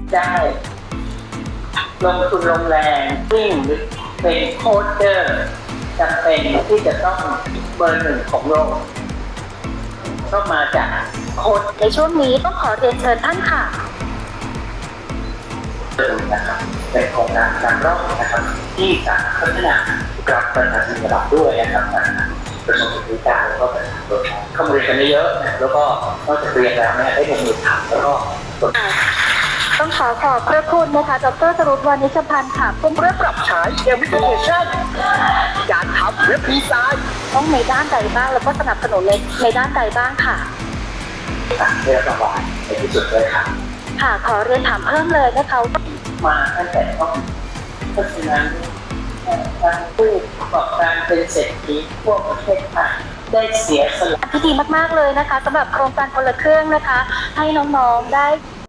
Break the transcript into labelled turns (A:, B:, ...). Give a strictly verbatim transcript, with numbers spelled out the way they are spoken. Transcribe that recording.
A: ได้ลงทุนลงแรงวิ่งหรือเป็นโค้ชเดอร์จำเป็นที่จะต้องเบอร์หนึ่งของโลกก็มาจากโค้ช
B: ในช่วงนี้ต้องขอเรียนเชิญท่านค่ะ
A: นะครับเป็นโครงการการร่องนะครับที่จะพัฒนากับประชาชนระดับด้วยนะครับกระทรวงศึกษาแล้วก็ประชาชนเข้ามาเรียนกันเยอะๆแล้วก็นอกจากเรียนแล้วเนี่ยได้ลงมือทำแล้วก็
B: ต้องขอขอบพระคุณนะคะดรสรุปวานิชพันธ์ค่ะผู้เริ่มปรับใช้แอปพลิเคชันการทำเว็บดีไซน์ต้องในด้านใดบ้างแล้วก็สนับสนุนในในด้านใดบ้างค่ะ
A: ได้รับรางวัลในที่สุดเลยค่ะ
B: ค่ะขอเรียนถามเพิ่มเลยนะคะ
A: มาตั้งแต่ต้นเพราะฉะนั้นทางผู้ประกอบการเป็นเศรษฐีพวกประเทศไทยได้เสียสละ
B: ที่ดีมากๆเลยนะคะสำหรับโครงการคนละเครื่องนะคะให้น้องๆได้